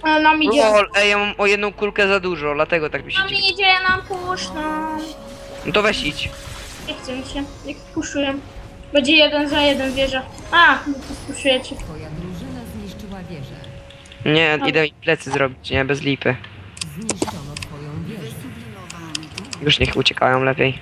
Ale nam idzie. Lol, ej, ja mam o jedną kulkę za dużo, dlatego tak mi się Nam dzieje. idzie, nam puszczą. No to weź idź. Nie chcę mi się, jak puszuję. Będzie 1 za 1 wieża. A, no to spuszujecie. Twoja drużyna zniszczyła wieżę. Nie, idę mi plecy zrobić, nie, bez lipy. Zniszczono twoją wieżę. Już niech uciekają lepiej.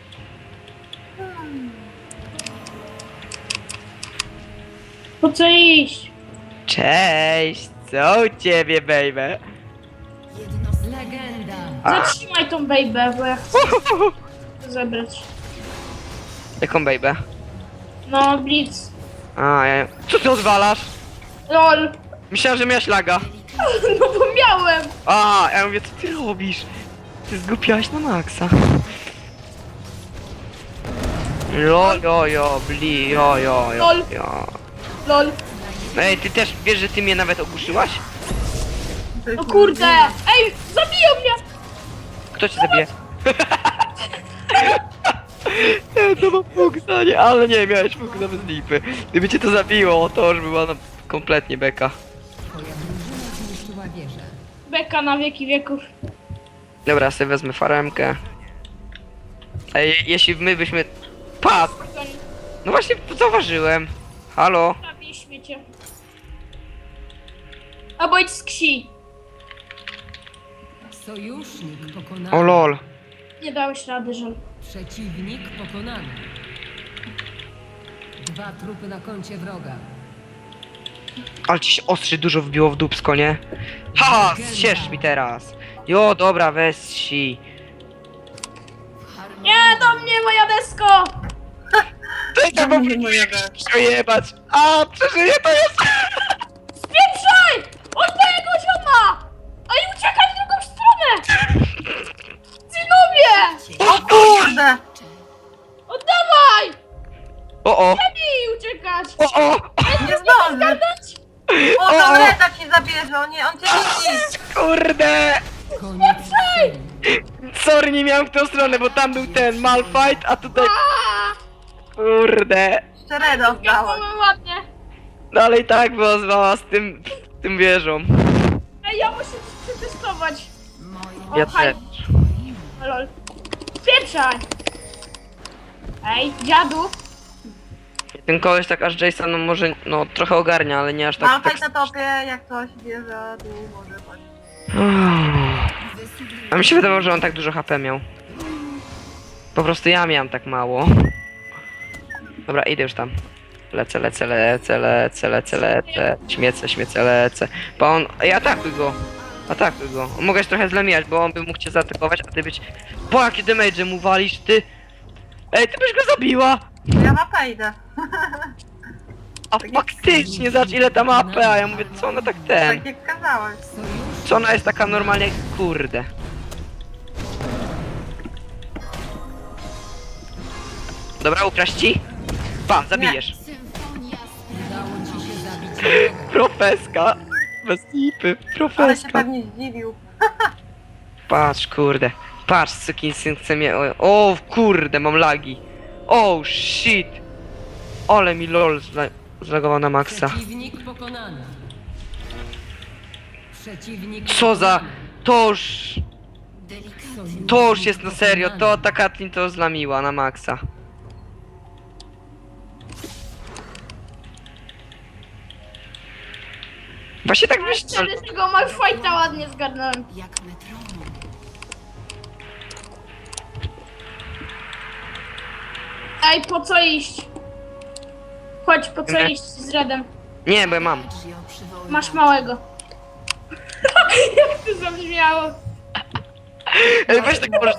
Po co iść? Cześć, co u ciebie, baby? Legenda. Zatrzymaj tą baby, bo ja chcę to zebrać. Jaką baby? No, blitz. A, ja... Co ty odwalasz? LOL. Myślałem, że miałeś laga. No bo miałem. A, ja mówię, co ty robisz? Ty zgłupiałaś na maksa. Jo, bli, jo. LOL. Ej, ty też wiesz, że ty mnie nawet ogłuszyłaś? No kurde. Ej, zabiją mnie. Kto cię zabije? Ja to mam fuksa, nie, ale nie, miałeś fuksa bez lipy. Gdyby cię to zabiło, to już była kompletnie beka. Twoja drużyna zniszczyła wieżę. Beka na wieki wieków. Dobra, sobie wezmę faremkę. Ej, jeśli my byśmy... Pat! No właśnie, to zauważyłem. Halo? Zabij śmiecie. Albo idź z ksi. Sojusznik pokonany. O lol. Nie dałeś rady, żal. Przeciwnik pokonany. 2 trupy na koncie wroga. Ale ci się ostrzy dużo wbiło w dupsko, nie? Haha, zsiesz mi teraz. Jo, dobra, weź si. Nie, do mnie moja desko! Czekaj, bo przejebać. A, przeżyję to jest. Spieprzaj! Od mojego zioma! A i uciekaj w drugą stronę! Synowie! O kurde! Oddawaj! O. Lepiej uciekać! O. Nie zdąży! O, tam Reda ci zabierze, on cię widzi! Kurde. Koniec serii. Sorry, nie miałem w tą stronę, bo tam był ten Malfight, a tutaj... Kurde. Jeszcze Reda oddałeś. Zgadłem ładnie. No ale i tak by ozwała z tym wieżą. Ej, ja muszę coś przetestować. O, Ja haj. też. Lol. Spieprzaj! Ej, dziadu! Ten koleś tak aż Jason, no może, no trochę ogarnia, ale nie aż tak... Malfight na topie, jak coś bierze, tu może chodź. A mi się wydawało, że on tak dużo HP miał. Po prostu ja miałem tak mało. Dobra, idę już tam. Lecę. Śmiecę, lecę. Bo on... Ej, atakuj go. Mogę się trochę zlemijać, bo on by mógł cię zaatakować, a ty być... Po jakie damage mu walisz, ty? Ej, ty byś go zabiła! Ja mapę idę. A faktycznie, zobacz ile ta ma AP, a ja mówię, co ona tak ten... Tak jak kazałeś. Sojusznik Co ona jest taka normalnie, kurde. Dobra, ukraść ci? Pa, zabijesz. udało ci się zabić wroga. Profeska. Bez lipy, Ale się profeska. pewnie zdziwił. Patrz, kurde. Patrz, sukinsyn chce mnie... O, kurde, mam lagi. Oh, shit. Ale mi lol zlagował na maksa. Przeciwnik pokonany. Przeciwnik Co za... pokonany. To już jest na serio, to ta Katlin to zlamiła na maksa. Właśnie tak myślałem. Wtedy tego Malfighta ładnie zgarnąłem. Ej, po co iść? Chodź, po co Nie. iść z Redem? Nie, bo ja mam. Masz małego. Jak to zabrzmiało? Ej, weź tak możesz...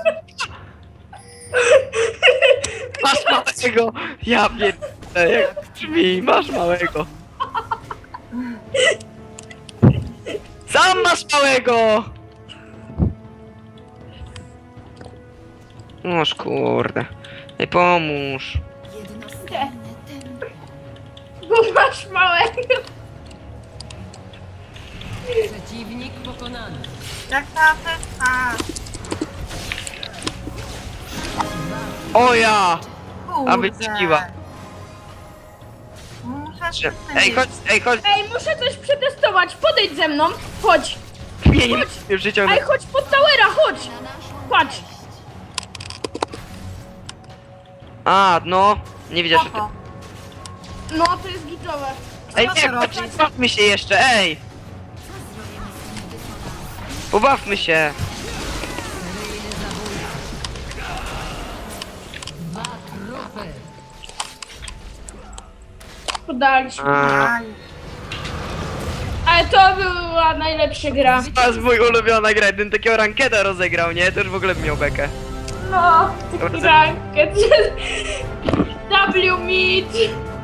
Masz małego! Ja pierdolę, jak brzmi, masz małego! Sam masz małego! Noż kurde. Ej, pomóż. Nie. Bo masz małego. Przeciwnik pokonany. Jak ta asysta? O ja! Kurde. Aby ćwiła. Muszę Trzy. Ej, chodź, Ej, muszę coś przetestować, podejdź ze mną, chodź. mnie nie Chodź. już wyciągnę. Ej, chodź pod towera, chodź. Patrz. A, no, nie widziałeś o tym. Oho. No, to jest gitowe. Ej, Co nie, ty chodź, robisz? pobawmy się jeszcze, ej! Pobawmy się. Dwa trupy. Podaliśmy. A, Aj. Ale to była najlepsza gra. to jest mój ulubiona gra, gdybym takiego rankeda rozegrał, nie? To już w ogóle bym miał bekę. No, taki ranket. W meet.